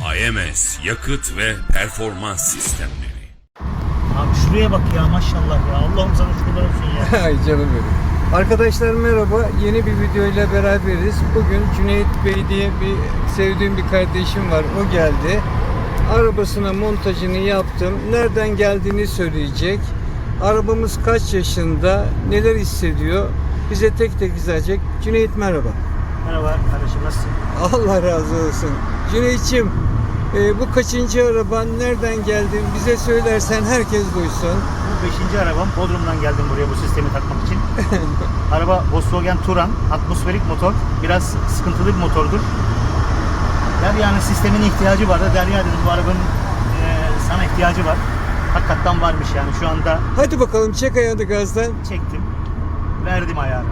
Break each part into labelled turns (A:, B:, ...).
A: AMS Yakıt ve Performans Sistemleri.
B: Abi şuraya bak ya, maşallah ya. Allah'ım sana şükürler olsun ya.
C: Ay canım benim. Arkadaşlar merhaba. Yeni bir video ile beraberiz. Bugün Cüneyt Bey diye sevdiğim bir kardeşim var. O geldi. Arabasına montajını yaptım. Nereden geldiğini söyleyecek. Arabamız kaç yaşında, neler hissediyor, bize tek tek izleyecek. Cüneyt merhaba.
B: Merhaba kardeşim, nasılsın?
C: Allah razı olsun. Cüneyt'ciğim, bu kaçıncı araban, nereden geldin bize söylersen herkes duysun.
B: Bu 5. arabam. Bodrum'dan geldim buraya bu sistemi takmak için. Araba Volkswagen Touran, atmosferik motor. Biraz sıkıntılı bir motordur. Derya'nın sistemin ihtiyacı vardı. Derya dedim, bu arabanın sana ihtiyacı var. Hakikaten varmış yani şu anda.
C: Hadi bakalım, çek ayağını gazdan.
B: Çektim. Verdim ayarı.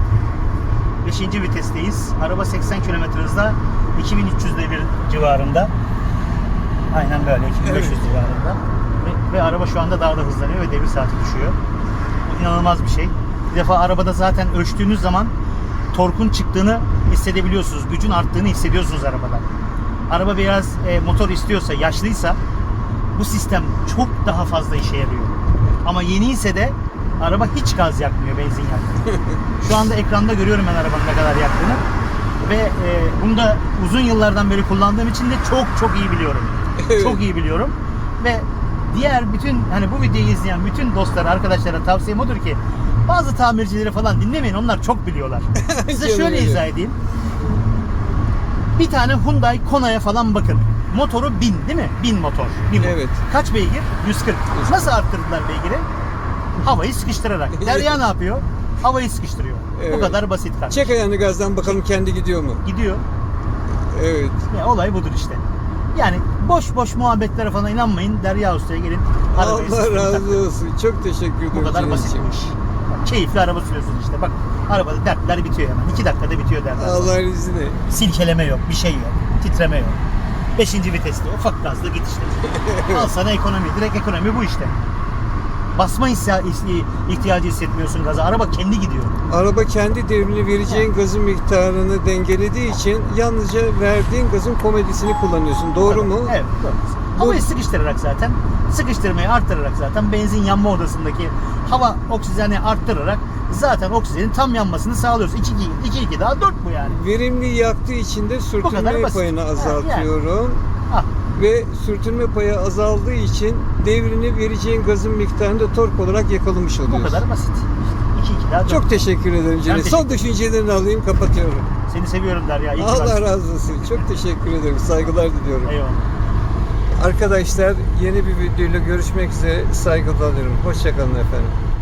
B: 5. vitesteyiz. Araba 80 km hızla 2300 devir civarında. Aynen böyle 2500
C: Evet.
B: civarında. Ve araba şu anda daha da hızlanıyor ve devir saati düşüyor. Bu inanılmaz bir şey. Bir defa arabada zaten ölçtüğünüz zaman torkun çıktığını hissedebiliyorsunuz. Gücün arttığını hissediyorsunuz arabada. Araba biraz motor istiyorsa, yaşlıysa bu sistem çok daha fazla işe yarıyor. Ama yeni ise de araba hiç gaz yakmıyor, benzin yakmıyor. Şu anda ekranda görüyorum ben arabanın ne kadar yaktığını. Ve bunu da uzun yıllardan beri kullandığım için de çok iyi biliyorum.
C: Evet.
B: Çok iyi biliyorum. Ve diğer bütün, hani bu videoyu izleyen bütün dostlara, arkadaşlara tavsiyem odur ki bazı tamircileri falan dinlemeyin, onlar çok biliyorlar. Size şöyle izah edeyim. Bir tane Hyundai Kona'ya falan bakın. Motoru 1000 değil mi? 1000 motor. 1000 motor.
C: Evet.
B: Kaç beygir? 140. Nasıl arttırdılar beygiri? Havayı sıkıştırarak. Derya ne yapıyor? Havayı sıkıştırıyor.
C: Evet.
B: Bu kadar basit kardeşim.
C: Çek ayağını gazdan bakalım, kendi gidiyor mu?
B: Gidiyor.
C: Evet.
B: Ya, olay budur işte. Yani boş muhabbetlere falan inanmayın. Derya Usta'ya gelin. Arabayı
C: Allah
B: sistemi
C: razı
B: takın.
C: olsun. Çok teşekkür ederim.
B: Bu kadar
C: Cüneyt'ciğim.
B: basitmiş. Keyifli araba sürüyorsun işte. Bak, arabada dertler bitiyor hemen. 2 dakikada bitiyor dertler.
C: Allah'ın izniyle.
B: Silkeleme yok, bir şey yok. Titreme yok. 5. viteste ufak gazla git işte. Al sana ekonomi. Direkt ekonomi bu işte. Basma ihtiyacı hissetmiyorsun gaza. Araba kendi gidiyor.
C: Araba kendi devrini vereceğin gazın miktarını dengelediği için yalnızca verdiğin gazın komedisini kullanıyorsun. Doğru mu?
B: Evet, doğru. Havayı sıkıştırarak zaten, sıkıştırmayı arttırarak zaten benzin yanma odasındaki hava oksijeni arttırarak zaten oksijenin tam yanmasını sağlıyoruz. 2 daha 4 bu yani.
C: Verimli yaktığı için de
B: kadar
C: sürtünme
B: basit.
C: payını
B: Ha,
C: azaltıyorum.
B: Ah,
C: Ve sürtünme payı azaldığı için devrini vereceğin gazın miktarını da tork olarak yakalamış
B: bu
C: oluyorsun.
B: kadar basit. 2 daha 4.
C: Çok teşekkür ederim Cüneyt.
B: teşekkür
C: Son düşüncelerini alayım, kapatıyorum.
B: Seni seviyorum Derya. İyi ki
C: Allah
B: varsın.
C: razı olsun. Çok teşekkür ederim. Saygılar diliyorum.
B: Eyvallah.
C: Arkadaşlar, yeni bir videoyla görüşmek üzere. Saygılar diliyorum. Hoşça kalın efendim.